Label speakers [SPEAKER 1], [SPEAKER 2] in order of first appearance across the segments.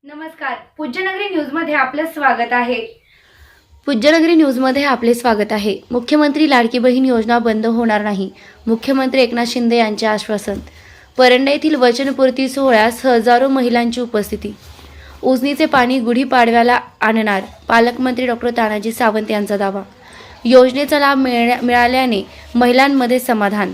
[SPEAKER 1] नमस्कार, पूज्यनगरी न्यूजमध्ये आपलं स्वागत आहे।
[SPEAKER 2] पूज्यनगरी न्यूजमध्ये आपले स्वागत आहे। मुख्यमंत्री लाडकी बहीण योजना बंद होणार नाही, मुख्यमंत्री एकनाथ शिंदे यांचे आश्वासन। परंडा येथील वचनपूर्ती सोहळ्यास हजारो महिलांची उपस्थिती। उजनीचे पाणी गुढीपाडव्याला आणणार, पालकमंत्री डॉक्टर तानाजी सावंत यांचा दावा। योजनेचा लाभ मिळाल्याने महिलांमध्ये समाधान,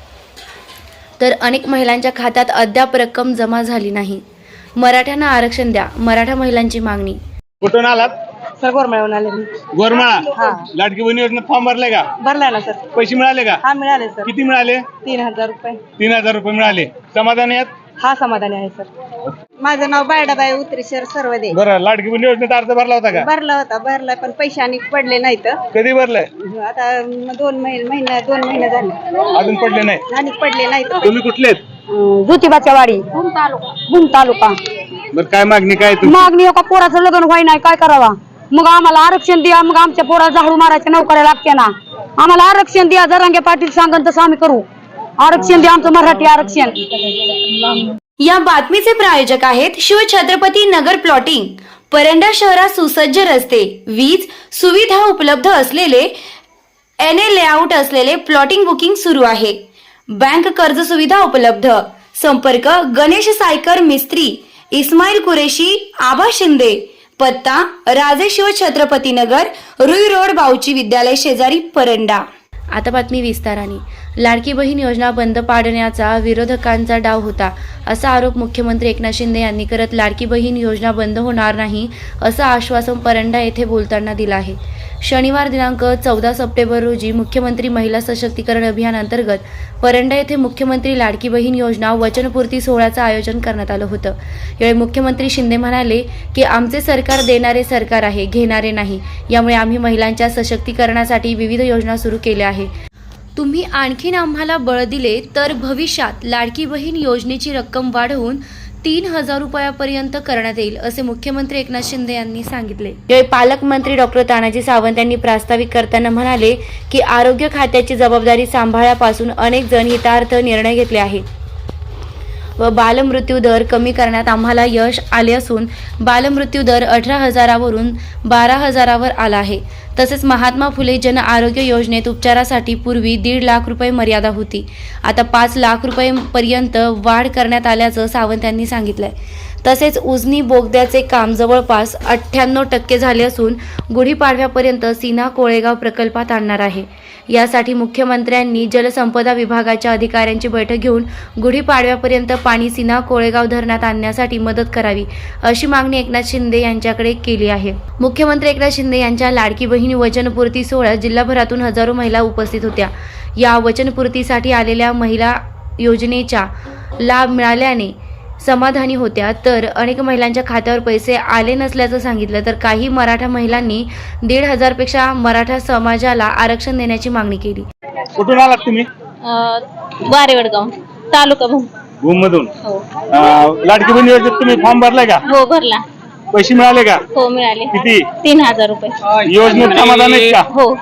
[SPEAKER 2] तर अनेक महिलांच्या खात्यात अद्याप रक्कम जमा झाली नाही। मराठ्यांना आरक्षण द्या, मराठा महिलांची मागणी।
[SPEAKER 3] कुठून आलात?
[SPEAKER 4] सर गोरमाळ्याहून आले मी।
[SPEAKER 3] गोरमाळा लाडकी बहीण योजनेत फॉर्म भरलाय का?
[SPEAKER 4] भरलाय ना सर।
[SPEAKER 3] पैसे मिळाले का?
[SPEAKER 4] हा मिळाले सर।
[SPEAKER 3] किती मिळाले?
[SPEAKER 4] 3000 रुपये।
[SPEAKER 3] 3000 रुपये मिळाले। समाधान आहेत?
[SPEAKER 4] हा समाधानी आहे सर। माझं नाव बायडाबाई उतरेश्वर सर्वदे।
[SPEAKER 3] बरं, लाडकी बहीण योजनेत अर्ज भरला होता का?
[SPEAKER 4] भरला पण पैसे आणि पडले नाहीत।
[SPEAKER 3] कधी भरलाय?
[SPEAKER 4] आता 2 महिने झाले
[SPEAKER 3] अजून पडले नाही
[SPEAKER 4] आणि पडले नाहीत।
[SPEAKER 3] तुम्ही कुठले आहेत?
[SPEAKER 4] ज्योतिबाच्या वाडी, भूम तालुका।
[SPEAKER 3] बरं, काय मागणी काय तुमची?
[SPEAKER 4] मागणी का पोराचं लग्न व्हाय नाही, काय करावा? मग आम्हाला आरक्षण द्या, मग आमच्या पोरा झाडू मारायच्या नोकऱ्या लागते ना, आम्हाला आरक्षण द्या। जरांगे पाटील सांगन तसं आम्ही करू। आरक्षण द्या, आमचं मराठी आरक्षण।
[SPEAKER 1] या बातमीचे प्रायोजक आहेत शिवछत्रपती नगर प्लॉटिंग। परंडा शहरात सुसज्ज रस्ते, वीज सुविधा उपलब्ध असलेले NA लेआउट असलेले प्लॉटिंग बुकिंग सुरू आहे। बँक कर्ज सुविधा उपलब्ध। संपर्क गणेश सायकर मिस्त्री, इस्माईल कुरेशी, आबा शिंदे। पत्ता राजे शिव छत्रपती नगर, रुई रोड, बाऊची विद्यालय शेजारी, परंडा।
[SPEAKER 2] आता बातमी विस्ताराने। लाडकी बहीण योजना बंद पाडण्याचा विरोधकांचा डाव होता, असा आरोप मुख्यमंत्री एकनाथ शिंदे यांनी करत लाडकी बहीण योजना बंद होणार नाही असं आश्वासन परंडा येथे बोलताना दिलं आहे। शनिवार दिनांक 14 सप्टेंबर रोजी मुख्यमंत्री महिला सशक्तीकरण अभियान अंतर्गत परंडा येथे मुख्यमंत्री लाडकी बहीण योजना वचनपूर्ती सोहळ्याचं आयोजन करण्यात आलं होतं। यावेळी मुख्यमंत्री शिंदे म्हणाले की आमचे सरकार देणारे सरकार आहे, घेणारे नाही। यामुळे आम्ही महिलांच्या सशक्तीकरणासाठी विविध योजना सुरू केल्या आहे। तुम्ही आणखीन आम्हाला बळ दिले तर भविष्यात लाडकी बहीण योजनेची रक्कम वाढवून 3000 रुपयापर्यंत करण्यात येईल, असे मुख्यमंत्री एकनाथ शिंदे यांनी सांगितले। यावेळी पालकमंत्री डॉक्टर तानाजी सावंत यांनी प्रास्ताविक करताना म्हणाले की आरोग्य खात्याची जबाबदारी सांभाळल्यापासून अनेक जण हितार्थ निर्णय घेतले आहे व बालमृत्यू दर कमी करण्यात आम्हाला यश आले असून बालमृत्यू दर 18,000वरून 12,000वर आला आहे। तसेच महात्मा फुले जन आरोग्य योजनेत उपचारासाठी पूर्वी 1.5 लाख रुपये मर्यादा होती, आता 5 लाख रुपयेपर्यंत वाढ करण्यात आल्याचं सावंत यांनी सांगितलंय। तसेच उजनी बोगद्याचे काम जवळपास 98% झाले असून गुढीपाडव्यापर्यंत सीना कोळेगाव प्रकल्पात आणणार आहे। यासाठी मुख्यमंत्र्यांनी जलसंपदा विभागाच्या अधिकाऱ्यांची बैठक घेऊन गुढीपाडव्यापर्यंत पाणी सीना कोळेगाव धरणात आणण्यासाठी मदत करावी, अशी मागणी एकनाथ शिंदे यांच्याकडे केली आहे। मुख्यमंत्री एकनाथ शिंदे यांच्या लाडकी बहीण वचनपूर्ती सोहळ्यात जिल्हाभरातून हजारो महिला उपस्थित होत्या। या वचनपूर्तीसाठी आलेल्या महिला योजनेचा लाभ मिळाल्याने समाधानी होत्या, तर अनेक महिलांच्या खात्यावर पैसे आले नसल्याचं सांगितलं। तर काही मराठा महिलांनी 1,500 पेक्षा मराठा समाजाला आरक्षण देण्याची मागणी केली।
[SPEAKER 3] कुठून आलात तुम्ही?
[SPEAKER 5] वारेवडगाव, तालुका
[SPEAKER 3] भूम मधून।
[SPEAKER 5] हो
[SPEAKER 3] लाडकी बहीण योजनेत तुम्ही फॉर्म भरलाय का?
[SPEAKER 5] हो भरला।
[SPEAKER 3] पैसे मिळाले का?
[SPEAKER 5] हो मिळाले।
[SPEAKER 3] किती?
[SPEAKER 5] 3000 रुपये।
[SPEAKER 3] योजनेत समाधान आहेत का?
[SPEAKER 5] हो।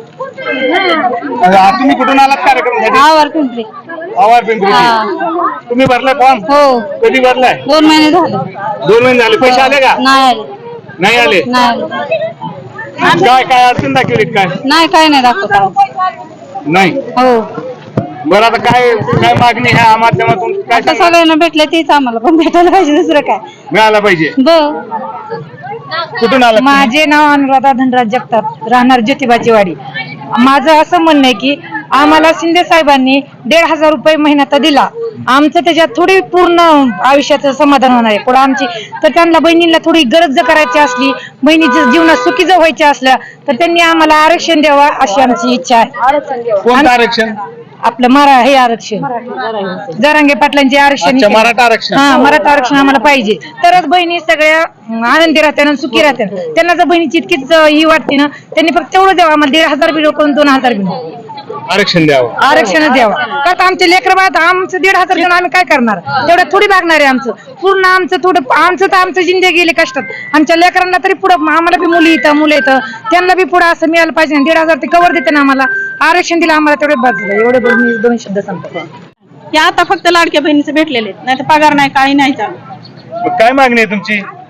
[SPEAKER 3] तुम्ही कुठून आलात कार्यक्रमासाठी?
[SPEAKER 4] आवर पिंपरी।
[SPEAKER 3] आवार पिंपरी। तुम्ही भरलाय फॉर्म?
[SPEAKER 4] हो।
[SPEAKER 3] कधी भरलाय?
[SPEAKER 4] 2 महिने झाले।
[SPEAKER 3] 2 महिने झाले। पैसे आले का?
[SPEAKER 4] नाही आले।
[SPEAKER 3] नाही आले?
[SPEAKER 4] नाही
[SPEAKER 3] काय काय अडचण दाखवलीत काय?
[SPEAKER 4] नाही, काय नाही दाखवत।
[SPEAKER 3] नाही।
[SPEAKER 4] हो।
[SPEAKER 3] बरं, आता काय काय मागणी ह्या माध्यमातून काय
[SPEAKER 4] आता
[SPEAKER 3] सांगणार?
[SPEAKER 4] सगळ्यांना भेटले तेच आम्हाला पण भेटायला पाहिजे, दुसरं काय?
[SPEAKER 3] मिळाला पाहिजे। कुठून आला?
[SPEAKER 4] माझे नाव अनुराधा धनराज जगताप, राहणार ज्योतिबाची वाडी। माझं असं म्हणणं आहे की आम्हाला शिंदे साहेबांनी 1,500 रुपये महिना तर दिला, आमचं त्याच्यात थोडी पूर्ण आयुष्याचं समाधान होणार आहे पुढे आमची। तर त्यांना बहिणींना थोडी गरज जर करायची असली, बहिणीच्या जीवनात सुखी जर व्हायच्या असल्या तर त्यांनी आम्हाला आरक्षण द्यावा, अशी आमची इच्छा आहे।
[SPEAKER 3] कोणतं आरक्षण?
[SPEAKER 4] आपलं हे आरक्षण, जरांगे पाटलांचे आरक्षण।
[SPEAKER 3] अच्छा, मराठा आरक्षण।
[SPEAKER 4] हा, मराठा आरक्षण आम्हाला पाहिजे, तरच बहिणी सगळ्या आनंदी राहतात आणि सुखी राहतात। त्यांना जर बहिणीची इतकीच ही वाटते ना, त्यांनी फक्त तेवढं द्यावं, आम्हाला 1,500 बी नको, 2,000 बी नको,
[SPEAKER 3] आरक्षण द्यावं,
[SPEAKER 4] आरक्षण द्यावं। का आमचे लेकर बाळा आमचं 1,500 देऊन आम्ही काय करणार? तेवढं थोडी भागणार आहे आमचं पूर्ण, आमचं थोडं आमचं तर आमचं जिंदगी गेली कष्टात, आमच्या लेकरांना तरी पुढं, आम्हाला बी मुली येतं मुलं येतं, त्यांना बी पुढं असं मिळालं पाहिजे। 1,500 ते कवर देते ना आम्हाला, आरक्षण दिलं आम्हाला तेवढे बस झालं। एवढे बोलून मी 2 शब्द सांगतो।
[SPEAKER 5] हे आता फक्त लाडक्या बहिणीचे भेटलेले, नाही तर पगार नाही, काही नाही चालू।
[SPEAKER 3] काय मागणी आहे तुमची?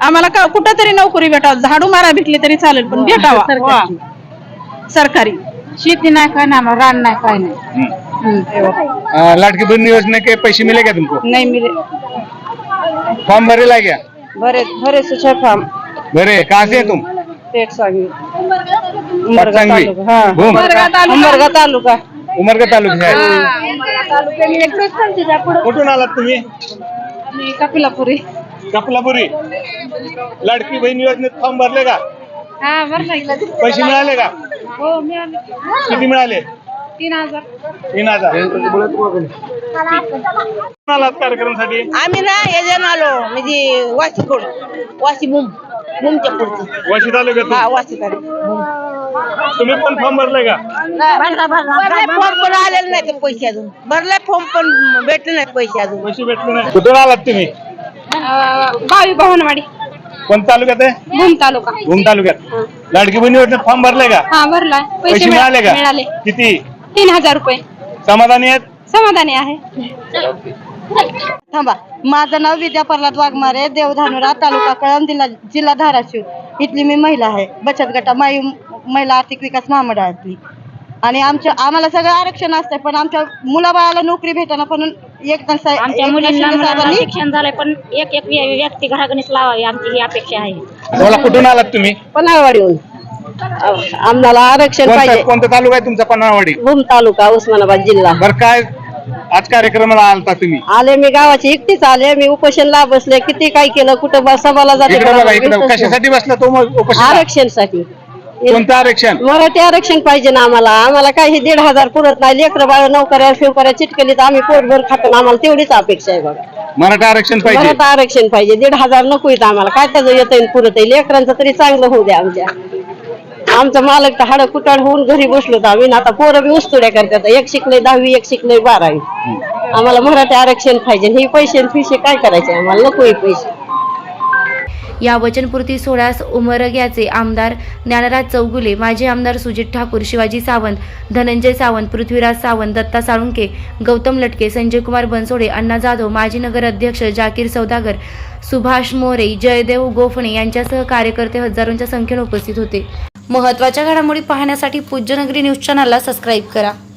[SPEAKER 6] आम्हाला कुठं तरी नोकरी भेटावं, झाडू मारा भेटली तरी चालेल पण भेटावा सरकारी.
[SPEAKER 4] शेती नाही काय ना, रान नाही काय नाही.
[SPEAKER 3] लाडकी बहन योजना के पैसे मिले क्या तुमको?
[SPEAKER 4] नहीं मिले.
[SPEAKER 3] फॉर्म भरेला क्या?
[SPEAKER 4] भरे सुचे फार्म.
[SPEAKER 3] भरे. कहाँ से है तुम?
[SPEAKER 4] पेट सांगवी.
[SPEAKER 3] पटसंगवी. भूम.
[SPEAKER 4] उमरगा तालुका.
[SPEAKER 3] उमरगा तालुका आहे. कुठून आलात तुम्ही?
[SPEAKER 4] कपिलापुरी.
[SPEAKER 3] कपलापुरी. लाडकी बहीण योजनेत फॉर्म भरले का?
[SPEAKER 4] हा भरला.
[SPEAKER 3] पैसे मिळाले का?
[SPEAKER 4] हो मिळाले.
[SPEAKER 3] किती मिळाले?
[SPEAKER 4] 3000.
[SPEAKER 3] 3000. कुठून आलात कार्यक्रमासाठी?
[SPEAKER 7] आम्ही ना याच्यानं आलो म्हणजे वाशीकोड वाशी मुमच्या पुढचं.
[SPEAKER 3] वाशी तालुक्यात.
[SPEAKER 7] हा वाशी
[SPEAKER 3] तुम्ही पण फॉर्म भरले का?
[SPEAKER 7] भरलाय फॉर्म पण आलेले नाही ते पैसे अजून. भरलाय फॉर्म पण भेटले नाहीत पैसे अजून.
[SPEAKER 3] पैसे भेटले नाही. कुठून आलात तुम्ही?
[SPEAKER 4] गावी भवनवाडी.
[SPEAKER 3] कोण तालुक्यात आहे?
[SPEAKER 4] भूम तालुका.
[SPEAKER 3] भूम तालुक्यात. लाडकी बहीण योजनेत फॉर्म भरले का?
[SPEAKER 4] हा भरलाय.
[SPEAKER 3] पैसे मिळाले का?
[SPEAKER 4] मिळाले.
[SPEAKER 3] किती?
[SPEAKER 4] 3000 रुपये.
[SPEAKER 3] समाधानी आहेत?
[SPEAKER 4] समाधानी आहे.
[SPEAKER 7] थांबा. माझं नाव विद्या प्रल्हाद वाघमारे, देवधानुरा, तालुका कळंब, जिल्हा धाराशिव. इथली मी महिला आहे. बचत गटा महिला आर्थिक विकास महामंडळातली. आणि आम्हाला सगळं आरक्षण असतंय पण आमच्या मुलाबाळाला नोकरी भेटाना पण एक
[SPEAKER 5] आमच्या मुलींना शिक्षण झालंय पण एक व्यक्ती घरागणीच लावावी आमची ही अपेक्षा आहे.
[SPEAKER 3] मला कुठून आलात तुम्ही?
[SPEAKER 7] पन्हाळवाडीहून. आम्हाला आरक्षण पाहिजे.
[SPEAKER 3] कोणता तालुका आहे तुमचा? पन्हाळवाडी.
[SPEAKER 7] भूम तालुका उस्मानाबाद जिल्हा.
[SPEAKER 3] बरं, काय आज कार्यक्रमाला आलता तुम्ही?
[SPEAKER 7] आले मी गावाची एकटीच आले. मी उपोषणला बसले. किती काय केलं, कुठं सभाला
[SPEAKER 3] इकडे बघा, इकडे
[SPEAKER 7] जाते.
[SPEAKER 3] कशासाठी बसला तो उपोषण?
[SPEAKER 7] आरक्षणसाठी.
[SPEAKER 3] कोणतं आरक्षण?
[SPEAKER 7] मराठी आरक्षण पाहिजे ना आम्हाला. आम्हाला काय हे 1500 पुरत नाही. लेकरं बाळ नोकऱ्या शिवकऱ्या चिटकलीत आम्ही पोटभर खातो. आम्हाला तेवढीच अपेक्षा आहे बघा.
[SPEAKER 3] मराठा आरक्षण पाहिजे.
[SPEAKER 7] मराठा आरक्षण पाहिजे. 1500 नको येत आम्हाला. काय त्याचं येतं पुरत आहे. लेकरांचं तरी चांगलं होऊ द्या आमच्या. आमचं मालक तर हाडं कुटाड होऊन घरी बसलो तर आम्ही. आता पोरं बी उस्तुड्या करतात. एक शिकले 10वी, एक शिकले 12वी. आम्हाला मराठी आरक्षण पाहिजे. हे पैसे फिशे काय करायचे आम्हाला? नको हे पैसे.
[SPEAKER 2] या वचनपूर्ती सोहळ्यास उमरग्याचे आमदार ज्ञानराज चौगुले, माजी आमदार सुजित ठाकूर, शिवाजी सावंत, धनंजय सावंत, पृथ्वीराज सावंत, दत्ता साळुंके, गौतम लटके, संजयकुमार बनसोडे, अण्णा जाधव, माजी नगर अध्यक्ष जाकीर सौदागर, सुभाष मोरे, जयदेव गोफणे यांच्यासह कार्यकर्ते हजारोंच्या संख्येने उपस्थित होते. महत्त्वाच्या घडामोडी पाहण्यासाठी पूज्यनगरी न्यूज चॅनलला सबस्क्राईब करा.